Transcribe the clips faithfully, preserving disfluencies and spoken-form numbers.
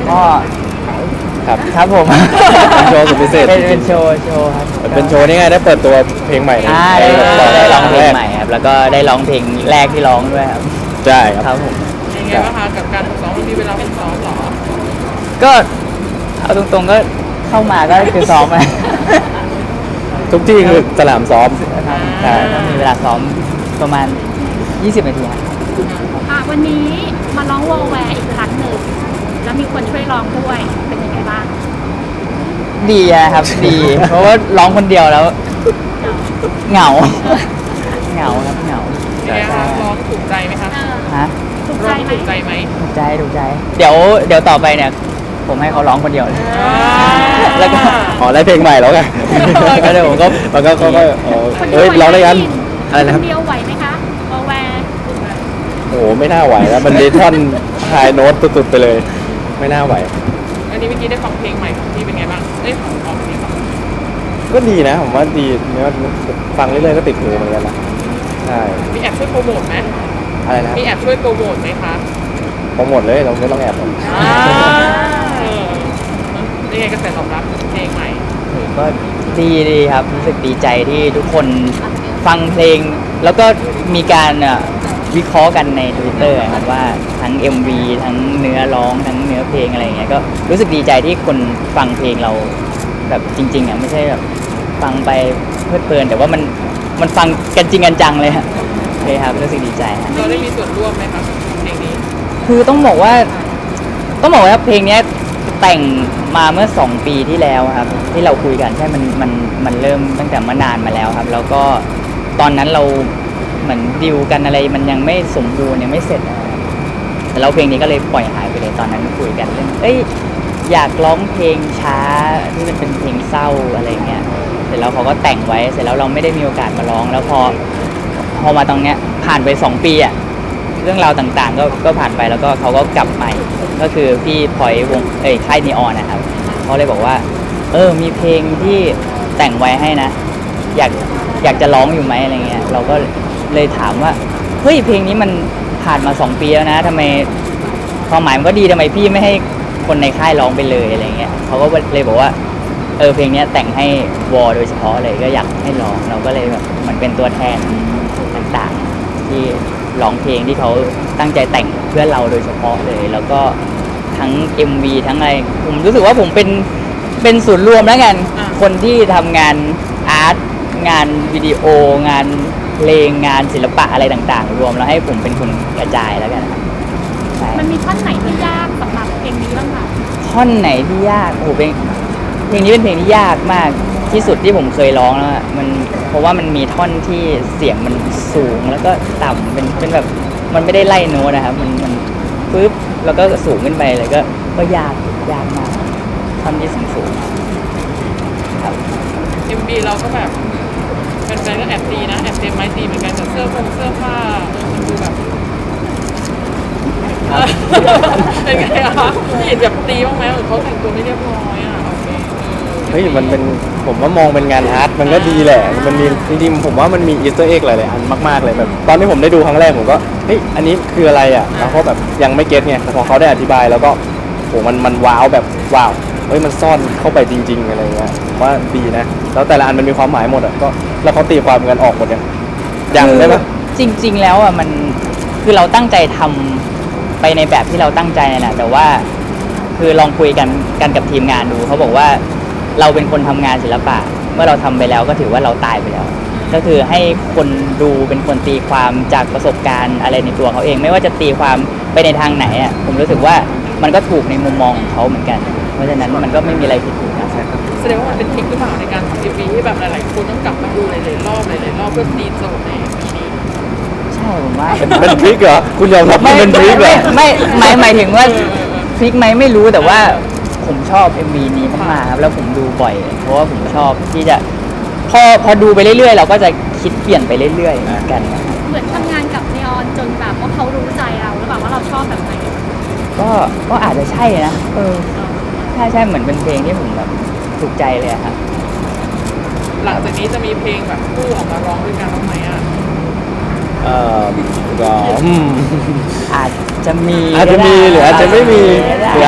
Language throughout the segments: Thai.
ก็ครับครับผมเป็นโชว์สุดพิเศษเป็นเป็นโชว์โชว์ครับเป็นโชว์นี่ไงได้เปิดตัวเพลงใหม่อ่าในได้ในได้ร้องเพลงแรกใหม่ครับแล้วก็ได้ร้องเพลงแรกที่ร้องด้วยครับใช่ครับครับผมยังไงบ้างคะกับการฝึกซ้อมมันมีเวลาฝึกซ้อมเหรอก็เอาตรงๆก็เข้ามาก็คือซ้อมอะทุกที่คือสนามซ้อมครับใช่ก็มีเวลาซ้อมประมาณยี่สิบนาทีครับอ่ะวันนี้มาร้องวอลแวร์อีกครั้งหนึ่งแล้วมีคนช่วยร้องด้วยเป็นยังไงบ้างดีนะครับ ดี เพราะว่าร้องคนเดียวแล้ว เหงา เหงาครับเหงายังไงคะร้องถูกใจไหมคะเออฮะถูกร้ใจองไหมถูกใจไหมถูกใจถูกใจ เดี๋ยวเดี๋ยวต่อไปเนี่ย ผมให้เขาร้องคนเดียวเลย แล้วก็อ๋อได้เพลงใหม่แล้วไงก็เดี๋ยวผมก็มันก็เขาก็เออคนเฮ้ยเดียวร้องได้กันไหวหมอะไรนะครับคนเดียวไหวไหมคะวอลแวร์โอ้โหไม่น่าไหวแล้วมันมีท่อนไฮโน้ตสุดๆไปเลย ไม่น่าไหวอันนี้เมื่อกี้ได้ฟังเพลงใหม่ของพี่เป็นไงบ้างเอ้ยของของพี่ฟังก็ดีนะผมว่าดีเนื้อฟังเรื่อยๆก็ติดหูเหมือนกันนะใช่มีแอบช่วยโปรโมทไหมอะไรนะครับมีแอบช่วยโปรโมทไหมคะโปรโมทเลยเราไม่ต้องแอบหรอกอ่าเออนี่ไงกระแสตอบรับเพลงใหม่ก็ดีดีครับรู้สึกดีใจที่ทุกคนฟังเพลง แล้วก็มีการเอ่อวิเคราะห์กันใน Twitter ครับว่าทั้ง เอ็ม วี ทั้งเนื้อร้องทั้งเนื้อเพลงอะไรอย่างเงี้ยก็รู้สึกดีใจที่คนฟังเพลงเราแบบจริงๆอ่ะไม่ใช่แบบฟังไปเพลิดเพลินแต่ว่ามันมันฟังกันจริงกันจังเลยครับโอเคครับรู้สึกดีใจครับเราได้มีส่วนร่วมไหมคะเพลงนี้คือต้องบอกว่าต้องบอกว่าเพลงเนี้ยแต่งมาเมื่อสองปีที่แล้วครับ ที่เราคุยกันใช่มันมันมันเริ่มตั้งแต่เมื่อนานมาแล้วครับ แล้วก็ตอนนั้นเราเหมือนดิวกันอะไรมันยังไม่สมบูรณ์ยังไม่เสร็จนะครับแต่เราเพลงนี้ก็เลยปล่อยหายไปเลยตอนนั้นคุยกันเรื่องเอ้ยอยากร้องเพลงช้าที่มันเป็นเพลงเศร้าอะไรเงี้ยเสร็จแล้วเขาก็แต่งไว้เสร็จแล้วเราไม่ได้มีโอกาสมาร้อง แล้วพอพอมาตรงเนี้ยผ่านไปสองปีอะ เรื่องราวต่างๆก็ก็ผ่านไปแล้วก็เขาก็กลับใหม่ ก็คือพี่พลอยวงเอ้ยค่ายนีออนนะครับเขาเลยบอกว่า เออมีเพลงที่แต่งไว้ให้นะ อยากอยากจะร้องอยู่ไหมอะไรเงี้ยเราก็เลยถามว่าเฮ้ยเพลงนี้มันผ่านมาสองปีแล้วนะทำไมความหมายมันก็ดีทำไมพี่ไม่ให้คนในค่ายร้องไปเลยอะไรเงี้ยเขาก็เลยบอกว่าเออเพลงนี้แต่งให้วอโดยเฉพาะเลยก็อยากให้ร้องเราก็เลยแบบมันเป็นตัวแทนต่างๆที่ ร้องเพลงที่เขาตั้งใจแต่งเพื่อเราโดยเฉพาะเลย แล้วก็ทั้ง เอ็ม วี ทั้งอะไรผมรู้สึกว่าผมเป็นเป็นศูนย์รวมแล้วกันอ่าคนที่ทำงานอาร์ตงานวิดีโองานเพลงงานศิลปะอะไรต่างๆ รวมแล้วให้ผมเป็นคนกระจายแล้วกันครับใช่มันมีท่อนไหนที่ยากสำหรับเพลงนี้บ้างคะท่อนไหนที่ยากโอ้โหเพลงเพลงนี้เป็นเพลงที่ยากมากที่สุดที่ผมเคยร้องแล้วอะมันเพราะว่ามันมีท่อนที่เสียงมันสูงแล้วก็ต่ำเป็นเป็นแบบมันไม่ได้ไล่โน้ตนะครับมันมันปึ๊บแล้วก็สูงขึ้นไปเลยก็ก็ยากยากมากท่อนที่สูงสูงๆครับเอ็มบีเราก็แบบแฟนๆก็แอบตีนะแอบเต็มไม้ตีเหมือนกันแต่เสื้อผงเสื้อผ้าเออมันดูแบบเออเป็นไงคะเห็นแบบตีบ้างไหมเออเขาแต่งตัวไม่เรียบร้อยอ่ะโอเคเออเฮ้ยมันเป็นผมว่ามองเป็นงานอาร์ตมันก็ดีแหละมันมีจริงๆผมว่ามันมีอีสเตอร์เอ็กหลายๆอันมากๆเลยแบบตอนที่ผมได้ดูครั้งแรกผมก็เฮ้ยอันนี้คืออะไรอ่ะแล้วเขาแบบยังไม่เก็ตไงแต่พอเขาได้อธิบายแล้วก็โหมันมันว้าวแบบว้าวเฮ้ยมันซ่อนเข้าไปจริง ๆอะไรเงี้ยผมว่าดีนะแล้วแต่ละอันมันมีความหมายหมดอ่ะก็แล้วเขาตีความกันออกหมดยังยังได้ปะจริง ๆ แล้วอ่ะมันคือเราตั้งใจทำไปในแบบที่เราตั้งใจนั่นแหละแต่ว่าคือลองคุยกันกันกับทีมงานดูเขาบอกว่าเราเป็นคนทำงานศิลปะเมื่อเราทำไปแล้วก็ถือว่าเราตายไปแล้ว ก็คือให้คนดูเป็นคนตีความจากประสบการณ์อะไรในตัวเขาเอง ไม่ว่าจะตีความไปในทางไหนอ่ะผมรู้สึกว่ามันก็ถูกในมุมมองของเขาเหมือนกัน เพราะฉะนั้นมันก็ไม่มีอะไรผิดถูกนะแสดงว่ามันเป็นทริคหรือเปล่าในการทำเอ็มบีที่แบบหลายๆคนต้องกลับมาดูหลายๆรอบหลายๆรอบเพื่อตีโจทย์ในแบบนี้ใช่ผมว่าเป็นเป็นทริกเหรอคุณยอมรับว่าเป็นทริกเหรอไม่ไม่หมายหมายถึงว่าพลิกไหมไม่รู้แต่ว่าผมชอบ เอ็ม วี นี้มากๆครับแล้วผมดูบ่อย เพราะว่าผมชอบที่จะพอพอดูไปเรื่อยๆ เราก็จะคิดเปลี่ยนไปเรื่อยๆเหมือนกันนะครับเหมือนทำงานกับนีออนจนแบบว่าเขารู้ใจเราหรือเปล่าว่าเราชอบแบบไหนก็ก็อาจจะใช่นะเออใช่ใช่เหมือนเป็นเพลงที่ผมแบบถูกใจเลยอะครับหลังจากนี้จะมีเพลงแบบคู่ออกมาร้องด้วยกันบ้างไหมอ่ะเอ่อก็อืมอาจจะมีอาจจะมีหรืออาจจะไม่มีหรืออาจ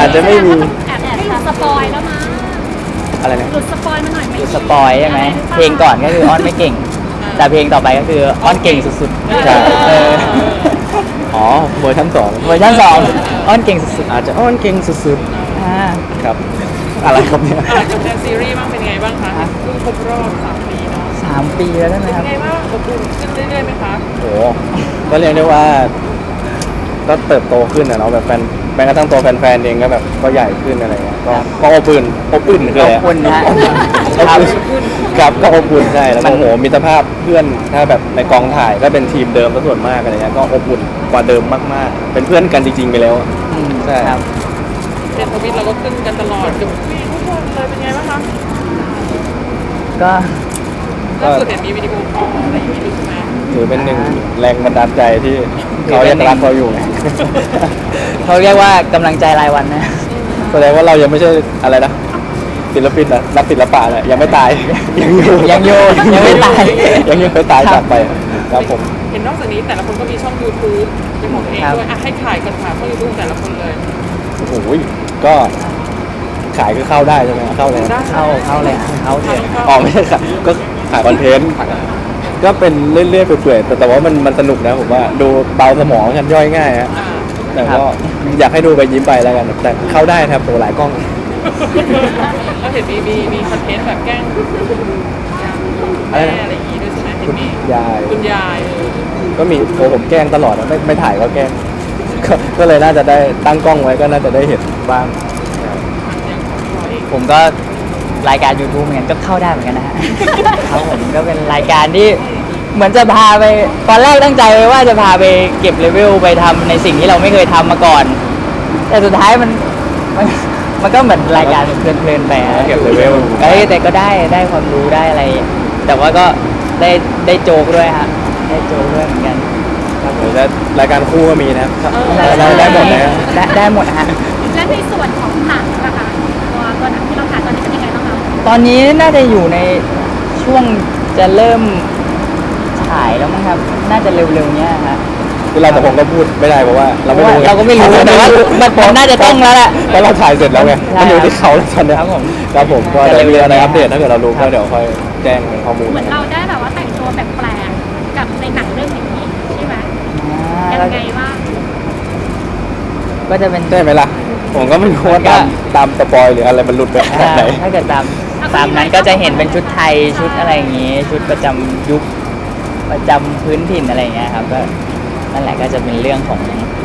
จจะไม่มีแอบให้หลุดสปอยแล้วมั้งอะไรเนี่ยหลุดสปอยมาหน่อยไหมคือสปอยใช่ไหมเพลงก่อนก็คืออ้อนไม่เก่ง แต่เพลงต่อไปก็คืออ้อนเก่งสุดๆใช่เอออ๋อเวอร์ชันสองเวอร์ชันสองอ้อนเก่งสุดอาจจะอ้อนเก่งสุดๆอ่าๆครับ อะไรครับเนี่ยอ่ะกับแดนซีรีส์บ้างเป็นไงบ้างคะเพิ่งครบรอบสามปีเนาะสามปีแล้วใช่ไหมเป็นครับไงบ้างอบอุ่นขึ้นเรื่อยๆไหมคะโอ้ก็เรียกได้ว่า ก็เติบโตขึ้นนะเนาะแบบแฟนแม้กระทั่งตัวแฟนๆเองก็แบบก็ใหญ่ขึ้นอะไรเงี้ยก็ก็อบอุ่นอบอุ่นคือขอะอบไรอะคุณนะฮะอบครับอุ่นครับก็อบอุ่นใช่แล้วมัก็นโอ้โหมิตรภาพเพื่อนถ้าแบบในกองถ่ายก็เป็นทีมเดิมซะส่วนมากอะไรเงี้ยก็อบอุ่นกว่าเดิมมากๆ เป็นเพื่อนกันจริงๆไปแล้วอืมใช่ครับเทรนด์ทวิตเราก็ขึ้นกันตลอดกับพี่ทุกคนเลยเป็นไงบ้างคะก็ก็ล่าสุดเห็นมีวิดีโอคอลอะไรอย่างนี้ด้วยใช่ไหมถือเป็นหนึ่งแรงบันดาลใจที่เขายังรักเราอยู่ไงเขาเรียกว่ากำลังใจรายวันนะแสดงว่าเรายังไม่ใช่อะไรนะศิลปินนะนักศิลปะเนี่ยยังไม่ตาย ยังอยู่ยังอยู่ยังไม่ตายยังยังไม่ตายจากไปครับผมเห็นนอกจากนี้แต่ละคนก็มีช่อง YouTube เป็นของตัวเองด้วยอ่ะให้ขายกันค่ะช่อง YouTube แต่ละคนเลยโอ้โหก็ขายก็เข้าได้ใช่ไหมเข้าเลยได้เข้าเข้าเลยฮะเข้าเถอะอ๋อไม่ใช่ขายก็ขายคอนเทนต์ก็เป็นเรื่อยๆเปื่อยๆแต่แต่ว่ามันมันสนุกนะผมว่าดูเบาสมองกันย่อยง่ายฮะอ่าแต่ก็อยากให้ดูไปยิ้มไปแล้วกันแต่เข้าได้ครับตัวหลายกล้องแล้วเห็นมีมีมีคอนเทนต์แบบแกล้งแม่อะไรอย่างงี้ด้วยใช่ไหมเห็นมียายคุณยายเออก็มีโอ้ผมแกล้งตลอดนะไม่ไม่ถ่ายก็แกล้ง ก็ก็เลยน่าจะได้ตั้งกล้องไว้ก็น่าจะได้เห็นบ้างอย่างของเราเองผมก็รายการ YouTube เหมือนกันก็เข้าได้เหมือนกันนะฮะ ครับผมก็เป็นรายการที่เหมือนจะพาไปตอนแรกตั้งใจไว้ว่าจะพาไปเก็บเลเวลไปทำในสิ่งที่เราไม่เคยทำมาก่อน แต่สุดท้ายมันมันมันก็เหมือนรายการเพลินๆไปฮะเก็บเลเวลเอ้ยแต่ก็ได้ได้ความรู้ได้อะไร แต่ว่าก็ได้ได้โจกด้วยฮะได้โจกด้วยเหมือนกันครับผมเดี๋ยวจะรายการคู่ก็มีนะครับเออได้ได้หมดนะได้ได้หมดฮะและในส่วนของหนังนะคะตัวตัวหนังที่เราถ่ายตอนนี้เป็นยังไงบ้างคะตอนนี้น่าจะอยู่ในช่วงจะเริ่มฉายแล้วมั้งครับ น่าจะเร็วๆเนี้ยฮะคือเราแต่ผมก็พูดไม่ได้เพราะว่าเราไม่รู้เราก็ไม่รู้แต่ว่ามันมันน่าจะต้องแล้วแหละเพราะเราถ่ายเสร็จแล้วไงใช่มันอยู่ที่เขาแล้วตอนเนี้ยครับผมครับผมก็จะจะเร็วๆมีอะไรนี้อัปเดตถ้าเกิดเรารู้ครัก็บเดี๋ยวค่อยแจ้งเป็นข้อมูลเหมือนเราได้แบบว่าแต่งตัวแปลกๆกับในหนังเรื่องนี้ใช่ไหมอ่ายังไงบ้างก็จะเป็นได้ไหมล่ะ ผมก็ไม่รู้ว่าตามตามสปอยหรืออะไรมันหลุดไปขนาดไหนอ่าถ้าเกิดตามตามนั้นก็จะเห็นเป็นชุดไทยชุดอะไรอย่างงี้ ชุดประจำยุคประจำพื้นถิ่นอะไรอย่างเงี้ยครับก็นั่นแหละก็จะเป็นเรื่องของ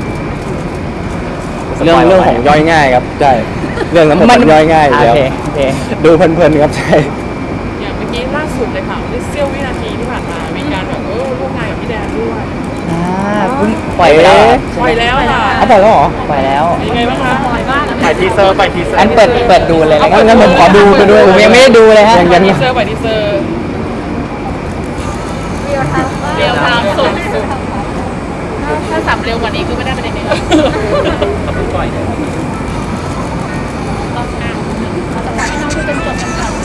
เรื่องเรื่องของย่อยง่ายครับใช่เรื่องนั้นมันย่อยง่ายอยู่โอแล้วเคโอเคดูเพลินๆครับใช่อย่างเมื่อกี้ล่าสุดเลยค่ะเสี้ยววินาทีที่ผ่านมามีการแบบเออร่วมงานกับพี่แดนด้วยอ่าเพิ่งปล่อยไปแล้วเหรอปล่อยแล้วค่ะเอาไปแล้วเหรอปล่อยแล้วเป็นยังไงบ้างคะปล่อยบ้างปล่อยทีเซอร์ปล่อยทีเซอร์อันเปิดเปิดดูเลยแล้วงั้นงั้นผมขอดูไปด้วยผมยังไม่ได้ดูเลยฮะยังปล่ยัอยงทีเซอร์ปล่อยทีเซอร์เรียวทางเร็วทางสุดสุดถ้าถ้าสับเร็วกว่านี้คือไม่ได้ประเด็นนี้ปล่อยเลยเราอ่านเราจะปล่อยให้น้องดูจนจบกันก่อน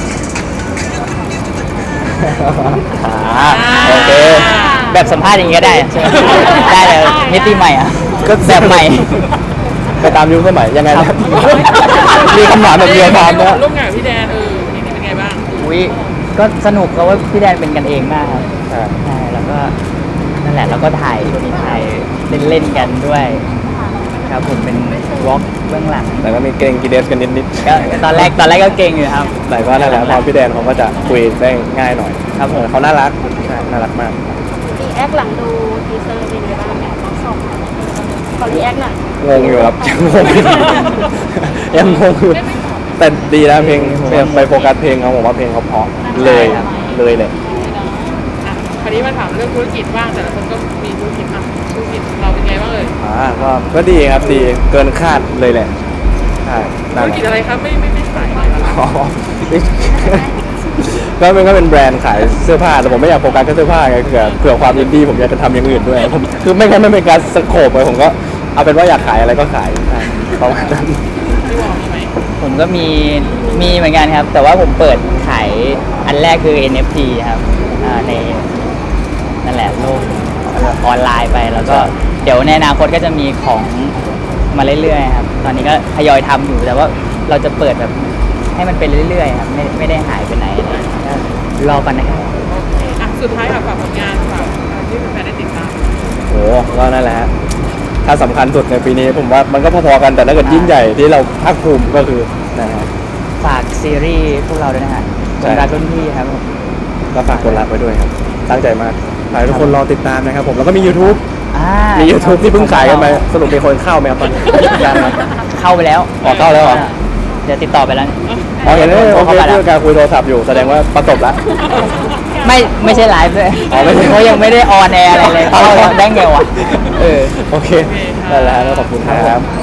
อ่าโอเคแบบสัมภาษณ์อย่างนี้ก็ได้ใช่ไหมได้เลยมิติใหม่อ่ะก็แบบใหม่ไปตามยุคสมัยยังไงคนะรับมีคำถามแบบเรียลไทม์นะร่วมงานกับพี่แดนเออนี่เป็นไงบ้างอุ้ยก็สนุกเพราะว่าพี่แดนเป็นกันเองมากครับอ่าใช่แล้วก็นั่นแหละแล้วก็ถ่ายถ่ายเล่นๆกันด้วยครับผมเป็นวอล์กเบื้องหลังแต่ก็มีเกรงกีเดสกันนิดก็ตอนแรกตอนแรกก็เก่งอยู่ครับๆแต่ก็นั่นแหละพอพี่แดนเขาก็จะคุยได้ง่ายหน่อยครับผมเออเขาน่ารักใช่น่ารักมากรีแอคหลังดูทีเซอร์เป็นยังไงบ้างเนี่ยน้องสองขอรีแอคหน่อยงงอยู่ครับ ยังงงอยู่ยังงงอยู่แต่ดีนะเพลงเพลงไปโฟกัสเพลงเขาผมว่าเพลงเขาเพราะเลยเลยเลยอ่ะคราวนี้มาถามเรื่องธุรกิจบ้างแต่ละคนก็มีธุรกิจอ่ะธุรกิจเราเป็นไงบ้างเอ่ยอ่าก็ก็ดีครับดีเกินคาดเลยแหละใช่นั่ธุนรแหละกิจอะไรครับไม่ไม่ไม่ขายอะไรละอ๋อก็เป็นก็เป็นแบรนด์ขายเสื้อผ้าแต่ผมไม่อยากโฟกัสแค่เสื้อผ้าไงเผื่อเผื่อความยินดีผมอยากจะทำอย่างอื่นด้วยผมคือไม่งั้นไม่เป็นการสโคปไปผมก็เอาเป็นว่าอยากขายอะไรก็ขายใช่ประมาณนั้นพี่วอมีไหมผมก็มีมีเหมือนกันครับ แต่ว่าผมเปิดขายอันแรกคือ เอ็น เอฟ ที ครับอ่าในนั่นแหละโลกออนไลน์ไปแล้วก็เดี๋ยวในอนาคตก็จะมีของมาเรื่อยๆครับตอนนี้ก็ทยอยทำอยู่แต่ว่าเราจะเปิดแบบให้มันเป็นเรื่อยๆครับไม่ไม่ได้หายไปไหนอะไรอย่างเงี้ยก็รอกันนะครับโอเคอ่ะสุดท้ายค่ะฝากผลงานฝากที่แฟนๆได้ติดตามโอ้ก็นั่นแหละฮะถ้าสำคัญสุดในปีนี้ผมว่ามันก็พอๆกันแต่ถ้าเกิดยิ่งใหญ่ที่เราภาคภูมิก็คือนะฮะฝากซีรีส์พวกเราด้วยนะฮะใช่คนรักรุ่นพี่ครับผมก็ฝากคนรักไว้ด้วยครับตั้งใจมากฝากให้ทุกคนรอติดตามนะครับผมแล้วก็มี YouTube อ่ามี YouTube ที่เพิ่งขายกันไปสรุปมีคนเข้าไหมครับตอนนี้ยังไหมเข้าไปแล้วอ๋อเข้าแล้วเหรอเดี๋ยวติดต่อไปแล้วอ๋อเห็นเลยโอเคข้าไปแล้วเรื่องการคุยโทรศัพท์อยู่แสดงว่าประสบแล้วไม่ไม่ใช่ไลฟ์ด้วยอ๋อไม่ใช่เพราะยังไม่ได้ออนแอร์อะไรเลยอ๋อเข้าได้ไงวะเออโอเคนั่นแหละฮะแล้วขอบคุณครับ